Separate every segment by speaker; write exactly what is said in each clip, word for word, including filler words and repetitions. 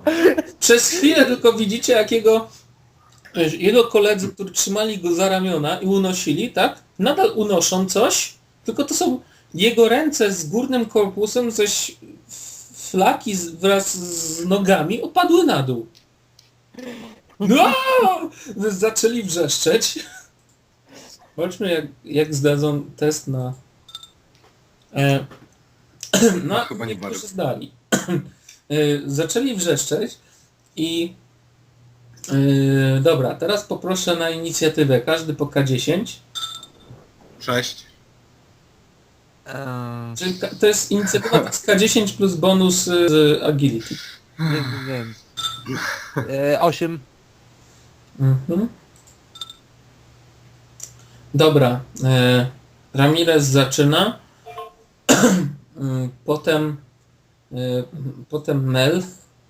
Speaker 1: Przez chwilę tylko widzicie, jak jego, jego koledzy, którzy trzymali go za ramiona i unosili, tak? Nadal unoszą coś, tylko to są jego ręce z górnym korpusem, zaś flaki z, wraz z nogami opadły na dół. No! Zaczęli wrzeszczeć. Zobaczmy, jak, jak zdadzą test na... E, no,
Speaker 2: No, chyba nie
Speaker 1: niektórzy
Speaker 2: bardzo.
Speaker 1: zdali. E, zaczęli wrzeszczeć i... E, dobra, teraz poproszę na inicjatywę. Każdy po K dziesięć.
Speaker 2: Sześć.
Speaker 3: Eee,
Speaker 1: Czyli ka- to jest inicjatywa to jest K dziesięć plus bonus e, z agility.
Speaker 3: nie wiem. Eee, osiem.
Speaker 1: Mhm. Dobra. E, Ramirez zaczyna. Mm, potem e, potem Melf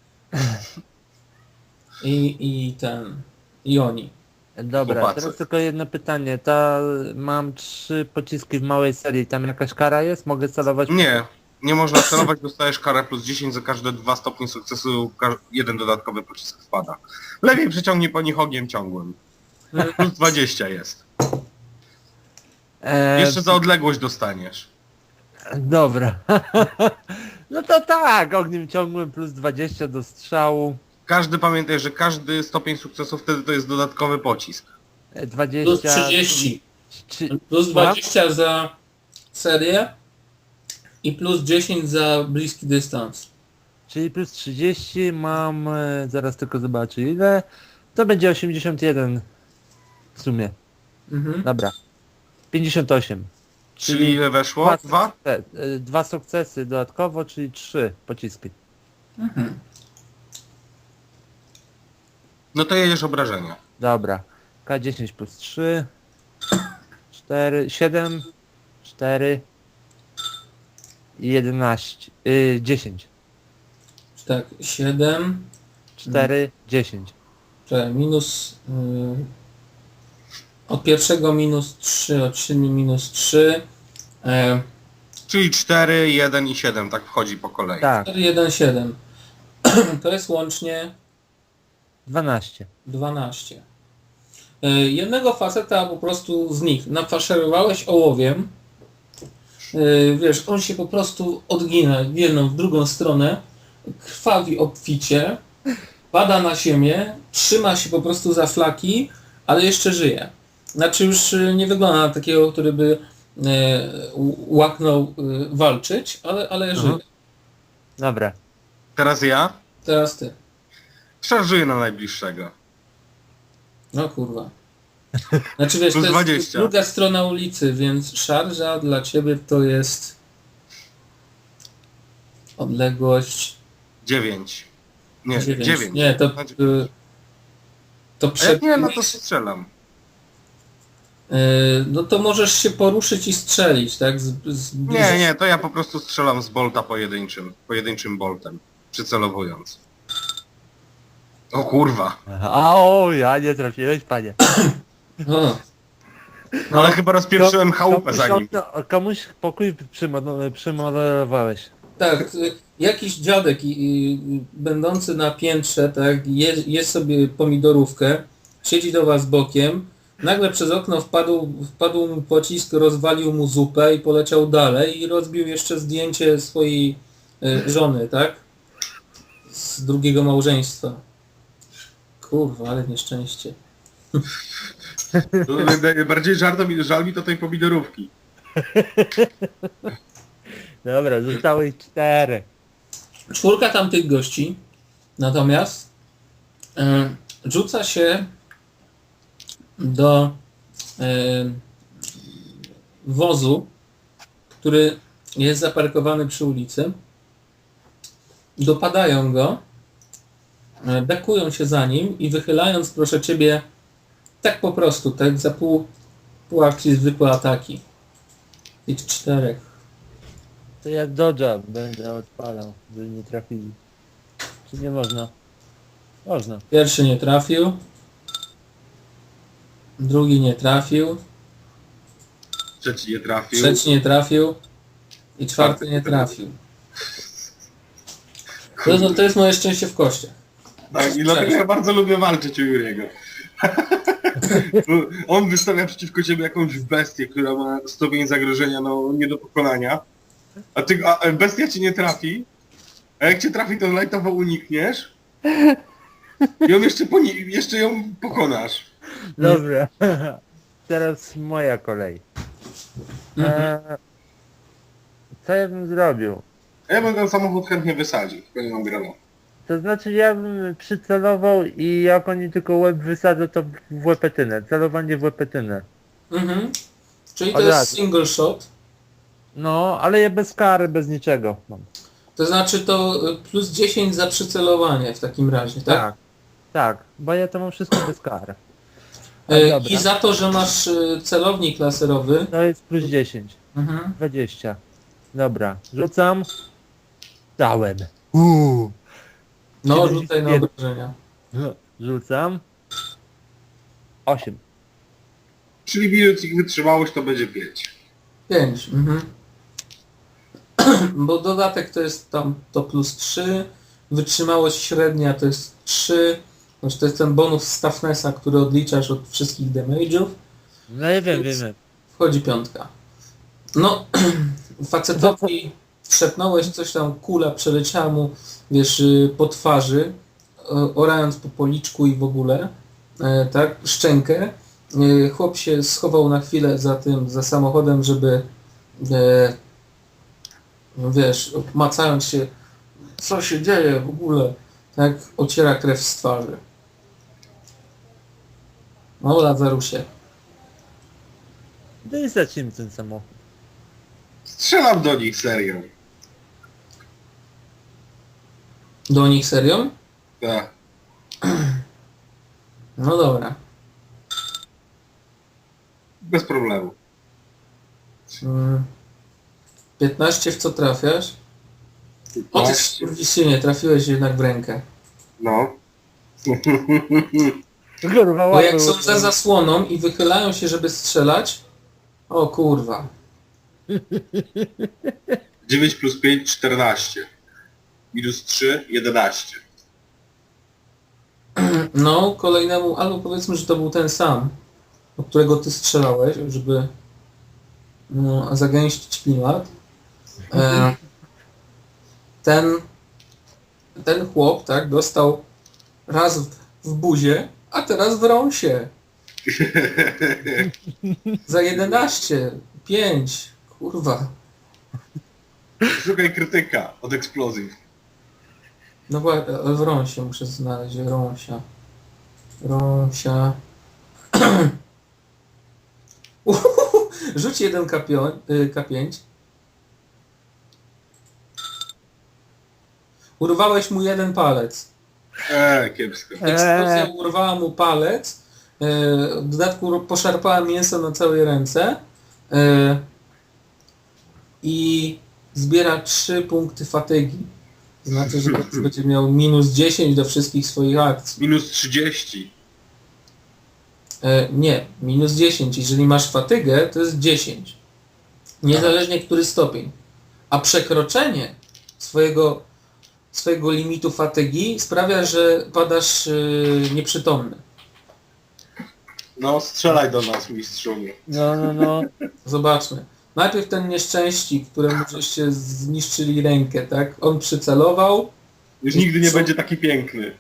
Speaker 1: i, i ten i oni.
Speaker 3: Dobra,
Speaker 2: Chłopacy.
Speaker 3: teraz tylko jedno pytanie. Ta, mam trzy pociski w małej serii. Tam jakaś kara jest? Mogę celować?
Speaker 2: Nie. Nie można celować, dostajesz karę plus dziesięć za każde dwa stopnie sukcesu, ka- jeden dodatkowy pocisk wpada. Lepiej przyciągnij po nich ogniem ciągłym. Plus dwadzieścia jest.
Speaker 3: Eee,
Speaker 2: Jeszcze za odległość dostaniesz.
Speaker 3: Dobra. No to tak, ogniem ciągłym plus dwadzieścia do strzału.
Speaker 2: Każdy pamiętaj, że każdy stopień sukcesu wtedy to jest dodatkowy pocisk.
Speaker 3: E, dwadzieścia...
Speaker 1: Plus trzydzieści.
Speaker 3: Czy,
Speaker 1: Plus
Speaker 3: Słucham?
Speaker 1: dwadzieścia za serię i plus dziesięć za bliski dystans.
Speaker 3: Czyli plus trzydzieści mam... E, zaraz tylko zobaczę ile. To będzie osiemdziesiąt jeden w sumie.
Speaker 1: Mhm.
Speaker 3: Dobra. pięćdziesiąt osiem.
Speaker 2: Czyli ile weszło? Dwa?
Speaker 3: Te, e, dwa sukcesy dodatkowo, czyli trzy pociski.
Speaker 1: Mhm.
Speaker 2: No to jedziesz obrażenia.
Speaker 3: Dobra. K dziesięć plus trzy. cztery, siedem, cztery i jedenaście. Y, dziesięć.
Speaker 1: Tak, siedem.
Speaker 3: cztery, dziesięć.
Speaker 1: Czekaj, minus... Yy, od pierwszego minus trzy, od siedmiu minus trzy. E,
Speaker 2: Czyli cztery, jeden i siedem, tak wchodzi po kolei.
Speaker 3: Tak,
Speaker 1: cztery, jeden, siedem. To jest łącznie
Speaker 3: dwanaście.
Speaker 1: dwanaście. E, jednego faceta po prostu z nich nafaszerowałeś ołowiem. E, wiesz, on się po prostu odgina w jedną, w drugą stronę. Krwawi obficie. Pada na ziemię. Trzyma się po prostu za flaki, ale jeszcze żyje. Znaczy już e, nie wygląda na takiego, który by e, łaknął e, walczyć, ale, ale
Speaker 3: Mhm.
Speaker 1: żyje.
Speaker 3: Dobra.
Speaker 2: Teraz ja
Speaker 1: Teraz ty.
Speaker 2: szarżuję na najbliższego.
Speaker 1: No kurwa. Znaczy wiesz,
Speaker 2: Plus
Speaker 1: to jest
Speaker 2: dwadzieścia.
Speaker 1: druga strona ulicy, więc szarża dla ciebie to jest odległość
Speaker 2: dziewięć. Nie,
Speaker 1: dziewięć.
Speaker 2: dziewięć.
Speaker 1: Nie, to
Speaker 2: Znaczy-
Speaker 1: y, to
Speaker 2: A
Speaker 1: przed
Speaker 2: jak nie, no to strzelam.
Speaker 1: y, no to możesz się poruszyć i strzelić, tak? Z, z
Speaker 2: Nie, nie, to ja po prostu strzelam z bolta pojedynczym. Pojedynczym boltem. Przycelowując. O kurwa.
Speaker 3: A o, ja nie trafiłeś, panie.
Speaker 1: O,
Speaker 2: No ale chyba rozpieprzyłem chałupę za nim.
Speaker 3: Komuś, komuś pokój przymo- przymodelowałeś.
Speaker 1: tak, y, jakiś dziadek i, i, będący na piętrze, tak, je, je sobie pomidorówkę, siedzi do was bokiem, nagle przez okno wpadł, wpadł mu pocisk, rozwalił mu zupę i poleciał dalej i rozbił jeszcze zdjęcie swojej y, żony, tak? Z drugiego małżeństwa. Kurwa, ale nieszczęście.
Speaker 2: Bardziej żarto mi, żal mi to tej pomidorówki.
Speaker 3: Dobra, zostało ich cztery.
Speaker 1: Czwórka tamtych gości natomiast e, rzuca się do e, wozu, który jest zaparkowany przy ulicy. Dopadają go, e, bekują się za nim i wychylając, proszę ciebie, tak po prostu, tak za pół, pół akcji zwykłe ataki. Tych czterech.
Speaker 3: To ja dodge'a będę odpalał, żeby nie trafili. Czy nie można? Można.
Speaker 1: Pierwszy nie trafił. Drugi nie trafił.
Speaker 2: Trzeci nie trafił.
Speaker 1: Trzeci nie trafił. I czwarty nie trafił. To, no, to jest moje szczęście w kościach.
Speaker 2: Tak, i dlatego ja bardzo lubię walczyć u Juriego. On wystawia przeciwko ciebie jakąś bestię, która ma stopień zagrożenia no, nie do pokonania, a, ty, a bestia ci nie trafi, a jak cię trafi, to lightowo unikniesz i on jeszcze, poni- jeszcze ją pokonasz.
Speaker 3: Dobra. Teraz moja kolej.
Speaker 1: Mhm.
Speaker 3: Eee, co ja bym zrobił?
Speaker 2: A ja bym ten samochód chętnie wysadził, tylko nie mam grana.
Speaker 3: To znaczy ja bym przycelował i jak oni tylko łeb wysadzą, to w łepetynę. Celowanie w łepetynę.
Speaker 1: Mhm. Czyli to
Speaker 3: Od
Speaker 1: jest
Speaker 3: razu.
Speaker 1: single shot.
Speaker 3: No, ale ja bez kary, bez niczego mam.
Speaker 1: To znaczy to y, plus dziesięć za przycelowanie w takim razie, tak?
Speaker 3: Tak, tak, bo ja to mam wszystko bez kary. A
Speaker 1: Y,
Speaker 3: dobra.
Speaker 1: I za to, że masz y, celownik laserowy.
Speaker 3: To jest plus dziesięć.
Speaker 1: Mhm.
Speaker 3: dwadzieścia. Dobra, rzucam. Dałem. Uuu.
Speaker 1: No,
Speaker 3: siedemdziesiąt
Speaker 1: rzucaj na
Speaker 3: jeden.
Speaker 1: obrażenia.
Speaker 3: Rzucam. osiem.
Speaker 2: Czyli bilet ich wytrzymałość to będzie pięć.
Speaker 1: pięć. Mhm. Bo dodatek to jest tam to plus trzy, wytrzymałość średnia to jest trzy, znaczy to jest ten bonus z toughnessa, który odliczasz od wszystkich damage'ów.
Speaker 3: No ja wiem,
Speaker 1: Więc-
Speaker 3: wiem, wiem.
Speaker 1: Wchodzi piątka. No, facetowi trzepnąłeś coś tam, kula przeleciała mu, wiesz, y, po twarzy, o- orając po policzku i w ogóle, e, tak, szczękę. E, Chłop się schował na chwilę za tym, za samochodem, żeby, e, no wiesz, macając się, co się dzieje w ogóle, tak, ociera krew z twarzy. No, Lazarusie.
Speaker 3: No i zacznijmy ten samochód.
Speaker 2: Strzelam do nich serio.
Speaker 1: Do nich serio?
Speaker 2: Tak.
Speaker 1: No dobra.
Speaker 2: Bez problemu.
Speaker 1: Mm. piętnaście w co trafiasz? O ty skurwysynie, trafiłeś jednak w rękę.
Speaker 2: No.
Speaker 3: Kurwa,
Speaker 1: Bo jak
Speaker 3: łapy-
Speaker 1: są za zasłoną i wychylają się, żeby strzelać, o kurwa.
Speaker 2: dziewięć plus pięć, czternaście. Minus trzy, jedenaście.
Speaker 1: No, kolejnemu, albo powiedzmy, że to był ten sam, od którego ty strzelałeś, żeby no, zagęścić klimat. E, ten, ten chłop, tak, dostał raz w, w buzie, a teraz w rąsie. Za jedenaście, pięć, kurwa.
Speaker 2: Szukaj krytyka od eksplozji.
Speaker 1: No właśnie, ale w rąsie muszę znaleźć, rąsia. Rąsia. Uhuhu, rzuć jeden K pięć. Urwałeś mu jeden palec.
Speaker 2: Eee, kiepsko.
Speaker 1: Eksplozja
Speaker 3: Eee.
Speaker 1: urwała mu palec. e, W dodatku poszarpała mięso na całej ręce. e, I zbiera trzy punkty fatygi. Znaczy, że teraz będzie miał minus dziesięć do wszystkich swoich akcji.
Speaker 2: Minus trzydzieści.
Speaker 1: E, nie, minus dziesięć. Jeżeli masz fatygę, to jest dziesięć. Niezależnie który stopień. A przekroczenie swojego, swojego limitu fatygi sprawia, że padasz yy, nieprzytomny.
Speaker 2: No, strzelaj do nas, mistrzu.
Speaker 3: No, no, no.
Speaker 1: Zobaczmy. Najpierw ten nieszczęścik, któremu żeście zniszczyli rękę, tak? On przycelował.
Speaker 2: Już nigdy nie
Speaker 1: Co?
Speaker 2: będzie taki piękny.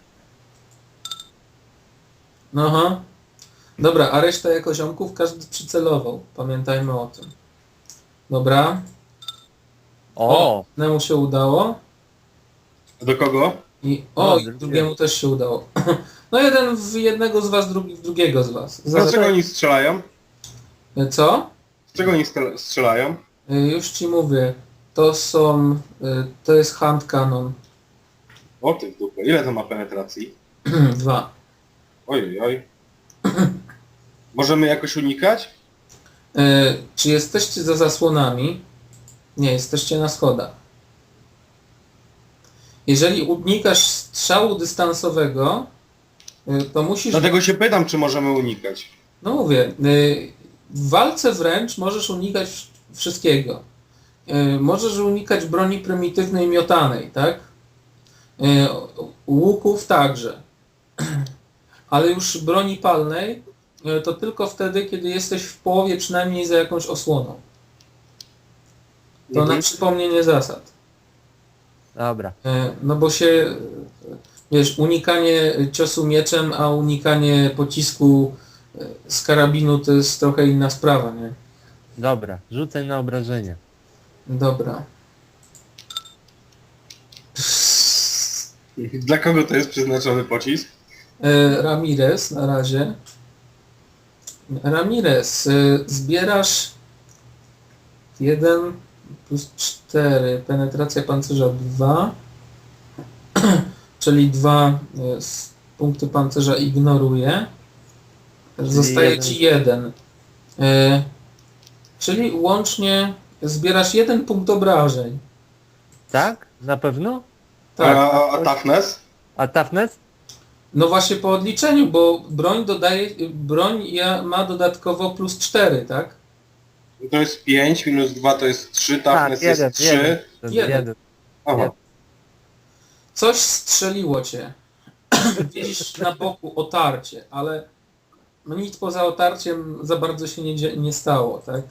Speaker 1: No aha. Dobra, a reszta jako ziomków każdy przycelował. Pamiętajmy o tym. Dobra.
Speaker 3: O!
Speaker 1: Nemu się udało.
Speaker 2: Do kogo?
Speaker 1: I
Speaker 3: O,
Speaker 1: o, i
Speaker 3: drugie.
Speaker 1: drugiemu też się udało. No jeden w jednego z was, drugi w drugiego z was.
Speaker 2: Z
Speaker 1: Za,
Speaker 2: czego oni strzelają?
Speaker 1: co?
Speaker 2: Z czego oni stel- strzelają?
Speaker 1: Y, Już ci mówię. To są... y, To jest hand cannon.
Speaker 2: O ty w dupę. Ile to ma penetracji?
Speaker 1: Dwa.
Speaker 2: Oj, oj. Możemy jakoś unikać?
Speaker 1: Y, Czy jesteście za zasłonami? Nie, jesteście na schodach. Jeżeli unikasz strzału dystansowego, y, to musisz...
Speaker 2: Dlatego się pytam, czy możemy unikać.
Speaker 1: No mówię, y, w walce wręcz możesz unikać wsz- wszystkiego. Y, Możesz unikać broni prymitywnej miotanej, tak? Y, u- łuków także. Ale już broni palnej e, to tylko wtedy, kiedy jesteś w połowie przynajmniej za jakąś osłoną. To
Speaker 2: Mhm.
Speaker 1: na przypomnienie zasad.
Speaker 3: Dobra.
Speaker 1: E, No bo się, e, wiesz, unikanie ciosu mieczem, a unikanie pocisku e, z karabinu to jest trochę inna sprawa, nie?
Speaker 3: Dobra. Rzucaj na obrażenie.
Speaker 1: Dobra.
Speaker 2: Dla kogo to jest przeznaczony pocisk?
Speaker 1: E, Ramirez na razie. Ramirez, e, zbierasz jeden plus cztery, penetracja pancerza dwa, czyli dwa punkty pancerza ignoruje. Zostaje
Speaker 3: jeden.
Speaker 1: ci jeden. E, czyli łącznie zbierasz jeden punkt obrażeń.
Speaker 3: Tak? Na pewno?
Speaker 1: Tak.
Speaker 2: A, a toughness?
Speaker 3: A toughness?
Speaker 1: No właśnie po odliczeniu, bo broń dodaje, broń ja, ma dodatkowo plus cztery, tak?
Speaker 2: To jest pięć, minus dwa to jest trzy,
Speaker 3: Tak,
Speaker 2: toughness
Speaker 3: jeden,
Speaker 2: jest
Speaker 3: jeden.
Speaker 2: trzy.
Speaker 3: To jest
Speaker 1: Jeden.
Speaker 3: jeden.
Speaker 2: Aha.
Speaker 1: Coś strzeliło cię. Widzisz na boku otarcie, ale no nic poza otarciem za bardzo się nie, dzie- nie stało, tak?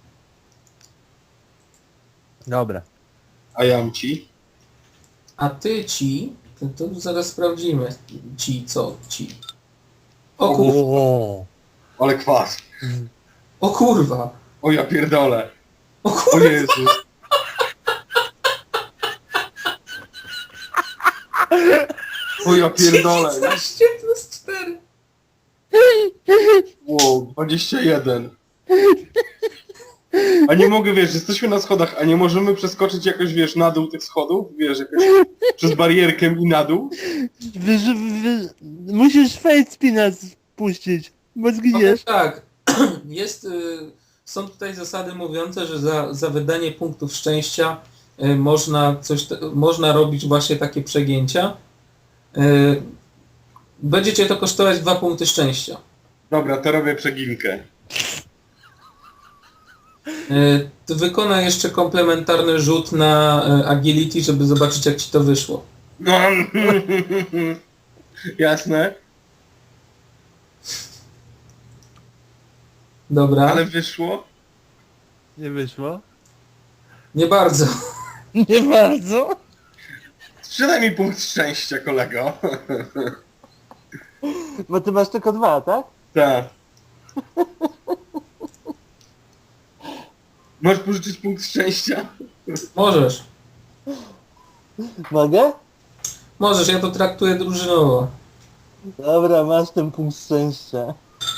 Speaker 3: Dobra.
Speaker 2: A jam ci?
Speaker 1: A ty ci, to, to zaraz sprawdzimy. Ci, co ci. O, kur,
Speaker 3: O,
Speaker 2: Ale kwas.
Speaker 1: o kurwa.
Speaker 2: O ja pierdolę.
Speaker 1: O
Speaker 2: O
Speaker 1: kurwa.
Speaker 2: Jezus. O ja pierdolę.
Speaker 1: dziewiętnaście plus cztery.
Speaker 2: Wow, dwadzieścia jeden. A nie mogę, wiesz, jesteśmy na schodach, a nie możemy przeskoczyć jakoś, wiesz, na dół tych schodów? Wiesz, jakoś przez barierkę i na dół?
Speaker 3: wy, wy, musisz face spina spuścić, bo
Speaker 1: No
Speaker 3: zginiesz.
Speaker 1: tak. Jest, y, są tutaj zasady mówiące, że za, za wydanie punktów szczęścia y, można coś, te- można robić właśnie takie przegięcia. Y, Będzie cię to kosztować dwa punkty szczęścia.
Speaker 2: Dobra, to robię przeginkę.
Speaker 1: Y, Ty wykonaj jeszcze komplementarny rzut na y, agility, żeby zobaczyć jak ci to wyszło.
Speaker 2: No. Jasne,
Speaker 1: Dobra.
Speaker 2: ale wyszło.
Speaker 3: Nie wyszło?
Speaker 1: Nie bardzo.
Speaker 3: Nie bardzo.
Speaker 2: Sprzedaj mi punkt szczęścia, kolego.
Speaker 3: Bo ty masz tylko dwa, tak?
Speaker 2: Tak. Możesz pożyczyć punkt szczęścia?
Speaker 1: Możesz.
Speaker 3: Mogę?
Speaker 1: Możesz, ja to traktuję drużynowo.
Speaker 3: Dobra, masz ten punkt szczęścia.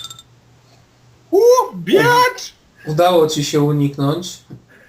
Speaker 2: Uuu, biacz!
Speaker 1: Udało ci się uniknąć.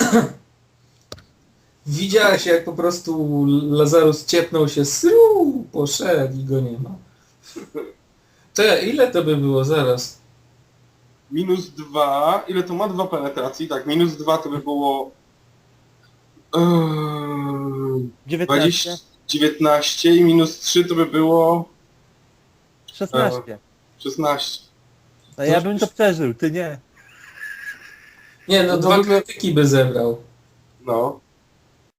Speaker 1: Widziałeś jak po prostu Lazarus ciepnął się, sru, poszedł i go nie ma. Czekaj, ile to by było zaraz?
Speaker 2: Minus dwa. Ile to ma? Dwa penetracji? Tak, minus dwa to by było... Yy,
Speaker 3: dziewiętnaście.
Speaker 2: dwadzieścia, dziewiętnaście i minus trzy to by było
Speaker 3: szesnaście.
Speaker 2: szesnaście.
Speaker 3: A ja bym to przeżył, ty nie.
Speaker 1: Nie, no
Speaker 3: No
Speaker 1: dwa
Speaker 3: w ogóle-
Speaker 1: krytyki by zebrał.
Speaker 2: No.